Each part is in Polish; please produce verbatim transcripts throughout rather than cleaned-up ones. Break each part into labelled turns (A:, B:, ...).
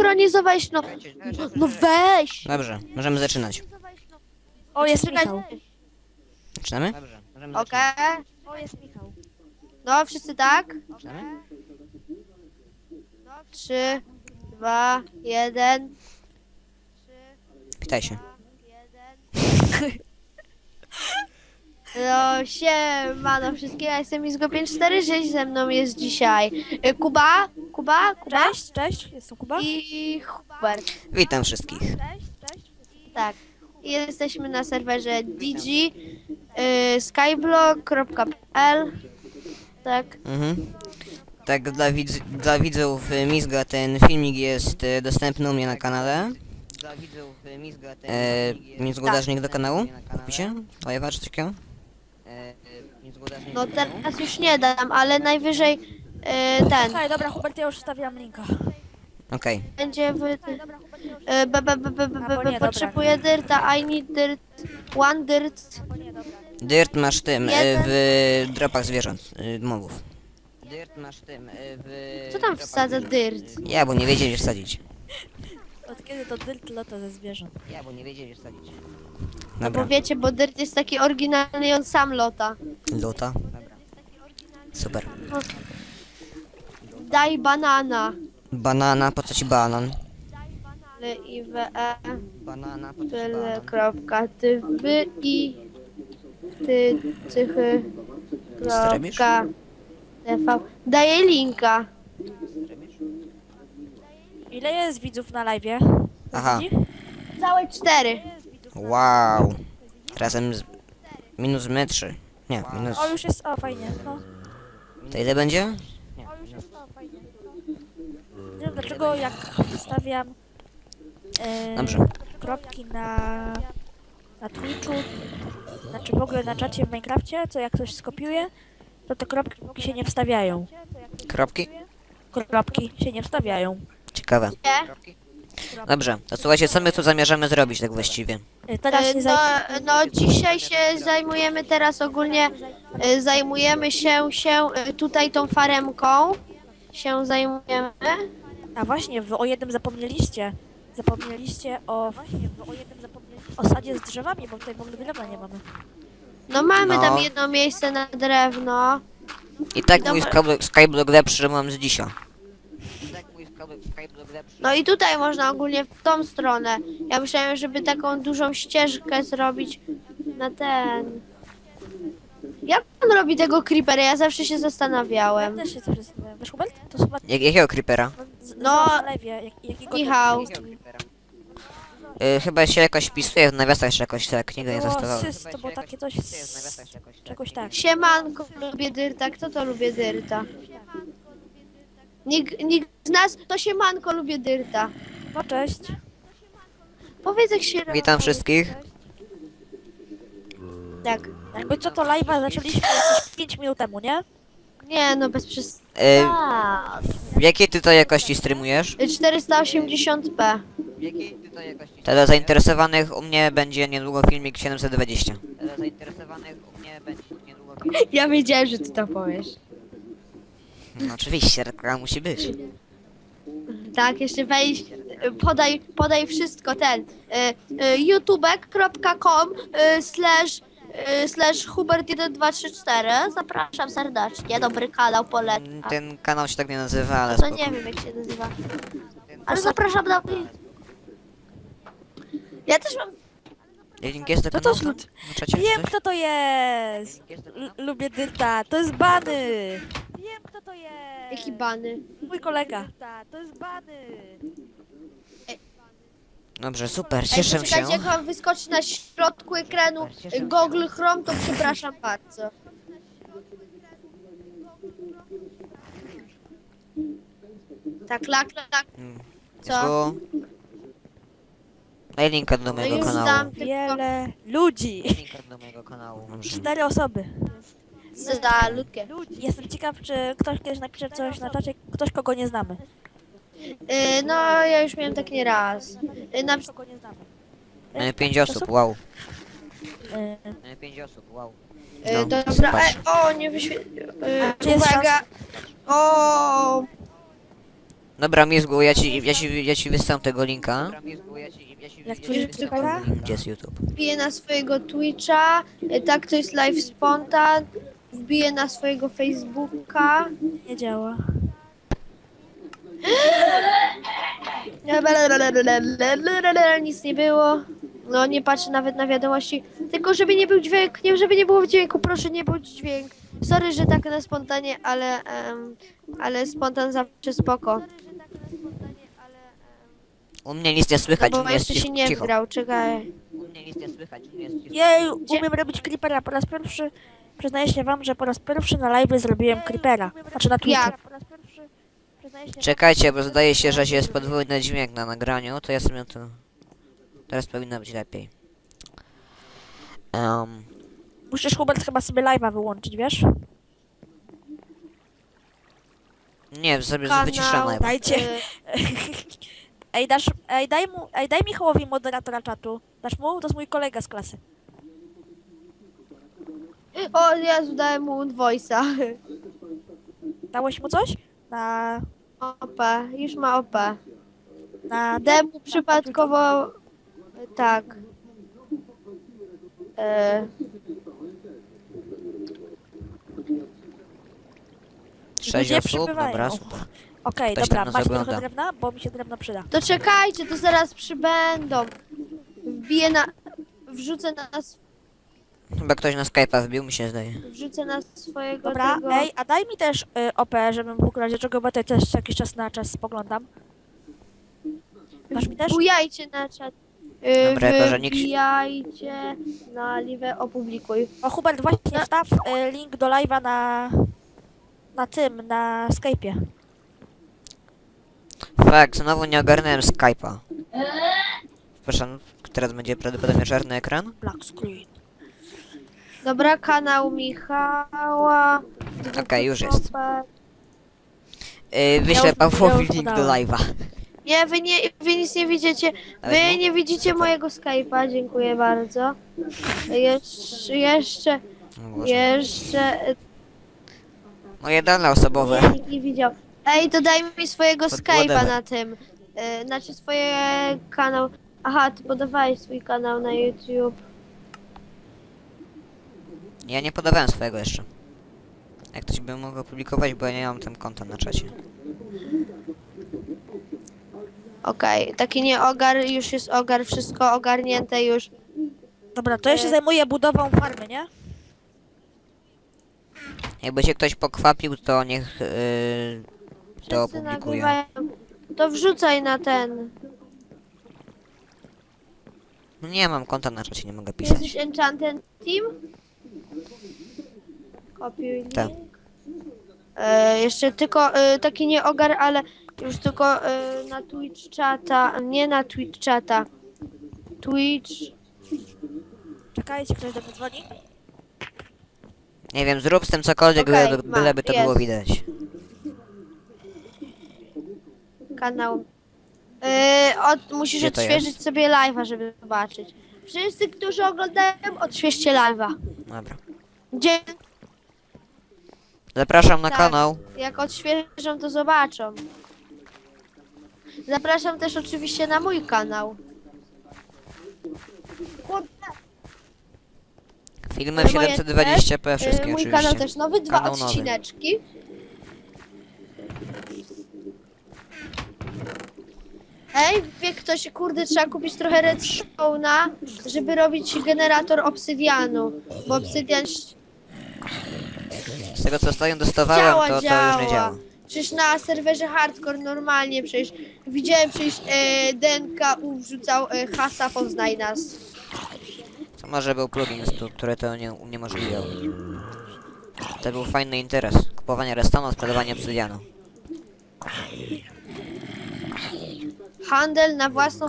A: zsynchronizować, no. No weź!
B: Dobrze, możemy zaczynać.
C: O, jest
A: Czekaj.
C: Michał.
B: Zaczynamy?
A: Okej.
C: O, jest Michał.
A: No, wszyscy tak?
B: Zaczynamy?
A: Trzy, dwa, jeden.
B: Witaj się.
A: No, siemano wszystkim, ja jestem Izgo pięć cztery sześć, ze mną jest dzisiaj y, Kuba, Kuba, Kuba
C: Cześć, cześć, jestem Kuba.
A: i Hubert.
B: Witam wszystkich.
A: Tak, i jesteśmy na serwerze d g y, skyblock kropka p l. Tak,
B: Mhm. Tak, dla, widz, dla widzów y, Mizga ten filmik jest y, dostępny u mnie na kanale. E, Mizgu dasz link do kanału? W opisie? Live'a czy coś takiego?
A: no teraz już nie dam, ale najwyżej y, ten,
C: Okej, dobra, Hubert, ja już wstawiam linka.
B: Okej.
A: będzie w... Y, b, b, b, b, b,
C: Albo nie,
A: b,
C: dobra.
A: potrzebuję dyrta, I need dirt, one dirt.
B: Dirt masz tym, y,
A: Jeden.
B: w dropach zwierząt, y, mobów. Dirt masz tym, y, w...
A: Co tam wsadza dirt?
B: Ja, bo nie wiedzieli wsadzić.
C: Od kiedy to dyrt lata ze zwierząt?
B: Ja, bo nie wiedzieli wsadzić.
A: Bo
B: Dobra.
A: wiecie, bo dirt jest taki oryginalny i on sam lota.
B: Luta. Super.
A: Daj banana.
B: Banana, po co ci banan?
A: L I W E
B: Banana, po co ci
A: tyle kropka ty wy i ty cychy
B: Strebisz?
A: kropka tv. Daję linka.
C: Ile jest widzów na live'ie?
B: Aha.
A: Całe cztery.
B: Wow. Razem z... Minus my trzy. Nie, minus...
C: O, już jest, o, fajnie, no.
B: To ile będzie?
C: Nie wiem dlaczego, jak wstawiam e,
B: Dobrze.
C: kropki na, na Twitchu, znaczy w ogóle na czacie w Minecrafcie, co jak ktoś skopiuje, to te kropki się nie wstawiają.
B: Kropki?
C: Kropki się nie wstawiają.
B: Ciekawe.
A: Nie?
B: Dobrze, to słuchajcie, co my tu zamierzamy zrobić tak właściwie?
C: E, Teraz
A: E,
C: nie
A: No,
C: zaj...
A: no dzisiaj się zajmujemy teraz ogólnie e, zajmujemy się się e, tutaj tą faremką. Się zajmujemy.
C: A właśnie, wy o jednym zapomnieliście. Zapomnieliście o... Właśnie, wy o jednym zapomnieliście. O sadzie z drzewami, bo tutaj w ogóle drewna nie mamy.
A: No mamy
B: No.
A: tam jedno miejsce na drewno.
B: I tak mój
A: Dobra.
B: skyblock, skyblock lepszy mam z dzisiaj.
A: No i tutaj można ogólnie w tą stronę. Ja myślałem, żeby taką dużą ścieżkę zrobić na ten. Jak on robi tego creepera? Ja zawsze się
C: Ja
A: zastanawiałem.
C: też się coś zastanawiam. Wiesz, Hubert? To chyba...
B: Jak, jakiego creepera?
C: z-
A: No.
C: na lewie, jak, jakiego...
A: Michał.
B: Y, chyba się jakoś wpisuje w nawiasach, jeszcze jakoś tak, nigdy nie
C: Było
B: testowałem.
C: sys, to było takie coś z... Czegoś tak.
A: Siemanko, lubię dyrta. Kto to lubię dyrta? Nikt, nikt z nas to siemanko lubię dyrta.
C: No cześć.
A: Powiedz jak się
B: Witam wszystkich.
A: Tak.
C: Jakby co to live'a zaczęliśmy jakieś pięć minut temu, nie?
A: Nie no, bez przez...
B: Y,
A: Tak.
B: w jakiej ty to jakości streamujesz?
A: czterysta osiemdziesiąt p.
B: Dla zainteresowanych u mnie będzie niedługo filmik siedemset dwadzieścia. Dla zainteresowanych u mnie będzie niedługo filmik...
A: Ja wiedziałem, że ty to powiesz.
B: No oczywiście, reklama musi być.
A: Tak, jeszcze wejdź, y, podaj, podaj wszystko, ten, y, y, youtube kropka com y, slash y, slash hubert jeden dwa trzy cztery, zapraszam serdecznie, dobry kanał, polecam.
B: Ten kanał się tak nie nazywa, ale
A: To
B: spoko.
A: nie wiem jak się nazywa, ale zapraszam na... Ja też mam...
B: Link jest do
C: To
B: kanału?
C: też
B: tam?
C: lud-
B: Na czacie czy
C: Wiem
B: coś?
C: kto to jest! L lubię dyrta, to jest Bany! Wiem kto to jest!
A: Jaki bany?
C: Mój kolega. To jest Bany!
B: Dobrze, super,
A: Ej,
B: cieszę się.
A: poczekajcie, jak wam wyskoczy na środku ekranu y, Google Chrome, to przepraszam bardzo. Tak, lak, lak,
B: Mm,
A: co?
B: Jest tu... Daj linka do
A: No
B: mojego
A: już
B: kanału.
A: dam, tylko
C: Wiele ludzi!
B: Linka do mojego kanału. Dobrze.
C: Cztery osoby.
A: za ludkę.
C: Jestem ciekaw, czy ktoś kiedyś napisze coś na czacie, ktoś kogo nie znamy.
A: Y, no, ja już miałem tak nie raz. Y, na,
C: Kogo nie znamy.
B: Mamy pięć osób, wow.
C: Y,
B: Mamy pięć osób, wow.
A: y,
B: No,
A: dobra,
B: zobacz.
A: e, o, nie wyświetlił.
C: Czy jest
A: Uwaga. O,
B: Dobra, Mizgu, ja ci, ja ci, ja ci wysyłam tego linka.
C: Jak tworzysz creepera?
B: Gdzie jest YouTube?
A: Wbiję na swojego Twitcha, y, tak to jest live spontan, wbiję na swojego Facebooka.
C: Nie działa.
A: Nic nie było. No nie patrzę nawet na wiadomości. Tylko żeby nie był dźwięk, nie żeby nie było dźwięku, proszę nie był dźwięk. Sorry, że tak na spontanie, ale em, ale spontan zawsze spoko.
B: U mnie nic nie
A: No
B: słychać, u
A: bo
B: mnie jest
A: jeszcze się nie
B: cicho.
A: wgrał, czekaj.
B: U mnie nic nie słychać, u mnie jest cicho.
C: Jej, umiem robić creepera. Po raz pierwszy, przyznaję się wam, że po raz pierwszy na live zrobiłem creepera. Znaczy na Twitchu.
A: Jak?
B: Czekajcie, bo zdaje się, że jest podwójny dźwięk na nagraniu, to ja sobie to... Teraz powinno być lepiej. Um,
C: Musisz, Hubert, chyba sobie live'a wyłączyć, wiesz?
B: nie, sobie
A: Kanał,
B: wyciszam live.
C: Dajcie.
A: y,
C: Ej, dasz, ej, daj mu, ej, daj Michałowi moderatora czatu. Dasz mu? To jest mój kolega z klasy.
A: O Jezu, dałem mu voice'a.
C: Dałeś mu coś? Na...
A: O P, już ma O P.
C: na...
A: Dałem mu przypadkowo... Tak. E,
B: Sześć
C: Ludzie
B: osób,
C: przybywają.
B: dobra, super.
C: Okej,
B: Ktoś
C: dobra,
B: tam nas
C: macie trochę
B: ogląda.
C: drewna? Bo mi się drewno przyda.
A: to czekajcie, to zaraz przybędą. Wbiję na... Wrzucę na... s-
B: Chyba ktoś na Skype'a wbił, mi się zdaje.
A: Wrzucę na swojego
C: Dobra,
A: tego...
C: ej, a daj mi też y, O P, żebym w razie czego, bo tutaj też jakiś czas na czas spoglądam. Masz mi też?
A: Wbijajcie na czat. Yy,
B: Dobra, jako że nikt się-
A: Wbijajcie na live, opublikuj.
C: O, Hubert, właśnie
A: No.
C: wstaw y, link do live'a na... na tym, na Skype'ie.
B: Fakt, znowu nie ogarnąłem Skype'a. Proszę, teraz będzie prawdopodobnie czarny ekran.
C: Black screen.
A: Dobra, kanał Michała.
B: Okej, już jest.
A: Super.
B: Yy, wyślę
C: już-
B: Pawłowi
C: ja już
B: link do
C: podałem.
B: live'a.
A: Nie, wy, nie, wy nic nie widzicie.
B: Ale
A: Wy
B: no,
A: nie widzicie
B: super.
A: mojego Skype'a, dziękuję bardzo. Jeszcze, jeszcze,
B: O Boże.
A: jeszcze,
B: Moje dane osobowe.
A: nie, nikt nie widział. Ej, to daj mi swojego
B: Pod
A: Skype'a
B: whatever.
A: na tym. Yy, znaczy swoje kanał. Aha, ty podawałeś swój kanał na YouTube.
B: Ja nie podawałem swojego jeszcze. Jak ktoś by mógł opublikować, bo ja nie mam tam konta na czacie.
A: Okej, taki nie ogar, już jest ogar, wszystko ogarnięte już.
C: Dobra, to ja się zajmuję budową farmy, nie?
B: Jakby się ktoś pokwapił, to niech yy, to
A: Wszyscy
B: opublikuje.
A: nagrywają. To wrzucaj na ten.
B: No nie mam konta na czacie, nie mogę pisać.
A: Jesteś Enchanted Team? Kopiuj link.
B: Tak.
A: E, jeszcze tylko e, taki nie ogar, ale już tylko e, na Twitch czata, nie na Twitch czata. Twitch.
C: Czekajcie, ktoś do mnie dzwoni.
B: Nie wiem, zrób z tym cokolwiek,
A: Okej,
B: byle,
A: mam,
B: byleby to
A: jest.
B: było widać.
A: Kanał. E, od, musisz
B: Gdzie to
A: odświeżyć
B: jest?
A: sobie live'a, żeby zobaczyć. Wszyscy, którzy oglądają, odświeżcie live'a.
B: Dobra.
A: Gdzie,
B: Zapraszam na
A: Tak.
B: kanał.
A: jak odświeżą, to zobaczą. Zapraszam też oczywiście na mój kanał. Kurde,
B: Filmy w
A: Moje
B: siedemset dwadzieścia p,
A: e,
B: wszystkie
A: mój
B: oczywiście.
A: kanał też nowy, dwa
B: Kanał nowy.
A: odcineczki. Ej, wie ktoś, kurde, trzeba kupić trochę redstone'a, żeby robić generator obsydianu, bo obsydian ś-
B: Z tego co ostatnio dostawałem,
A: działa,
B: to, to
A: działa.
B: już nie działa.
A: Przecież na serwerze hardcore normalnie przecież widziałem przecież e, D N K U wrzucał e, hasa poznaj nas.
B: To może był plugin, stu- który to nie uniemożliwiał. To był fajny interes. Kupowanie restonu, sprzedawanie obsydianu.
A: Handel na własną...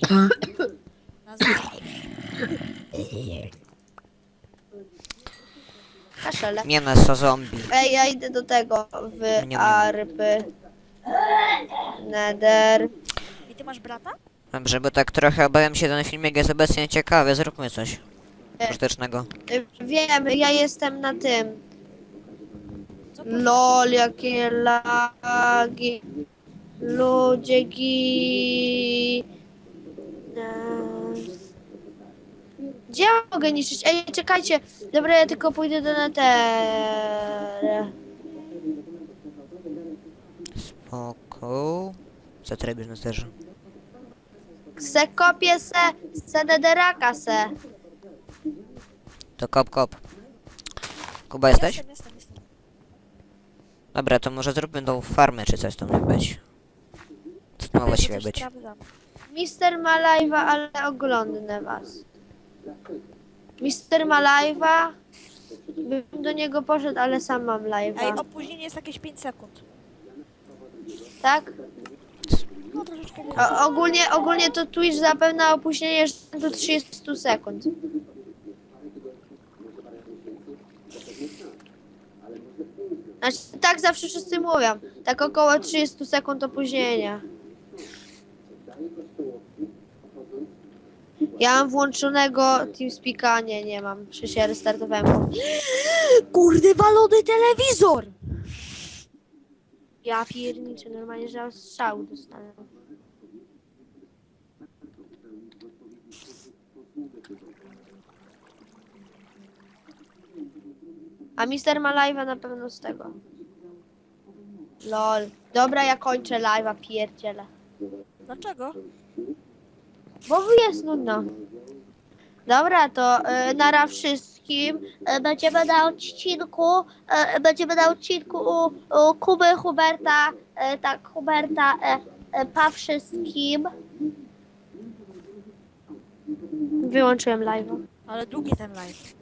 A: Kaszele.
B: Mięso zombie.
A: Ej, ja idę do tego w
B: Nie, nie.
A: arpy. Nether.
C: I ty masz brata?
B: Dobrze, bo tak trochę obawiam się, ten filmik jest obecnie ciekawy. Zróbmy coś
A: E.
B: pożytecznego.
A: Y, Wiem, ja jestem na tym.
C: Co to?
A: Lol, jakie lagi. Ludzie gi... e, Gdzie ja mogę niszczyć? Ej, czekajcie. Dobra, ja tylko pójdę do Netera.
B: Spoko. Co ty robisz na sterze?
A: Se kopię se, se Nederaka se.
B: To kop, kop. Kuba jesteś?
C: Jestem, jestem, jestem.
B: Dobra, to może zróbmy tą farmę, czy coś tam ma być. Co to ma
C: Będzie
B: właściwie
C: coś
B: być?
C: sprawdzam.
A: Mister ma live'a, ale oglądnę was. Mister ma live'a. Bym do niego poszedł, ale sam mam
C: Ej,
A: live'a.
C: opóźnienie jest jakieś pięć sekund.
A: Tak?
C: No troszeczkę więcej.
A: O, ogólnie, ogólnie to Twitch zapewne opóźnienie do trzydziestu sekund. Znaczy, tak zawsze wszyscy mówią. Tak około trzydziestu sekund opóźnienia. Ja mam włączonego TeamSpeaka, nie, nie mam. Przecież ja restartowałem.
C: Kurde, walony telewizor!
A: Ja pierniczę, normalnie, że ja strzał dostanę. A Mister ma live'a na pewno z tego. Lol. Dobra, ja kończę live'a, pierdzielę.
C: Dlaczego?
A: Bo jest nudno. Dobra, to y, nara wszystkim. Y, będziemy na odcinku. Y, będziemy na odcinku u, u Kuby, Huberta. Y, tak, Huberta. Y, y, pa wszystkim. Wyłączyłem live'a.
C: Ale długi ten live.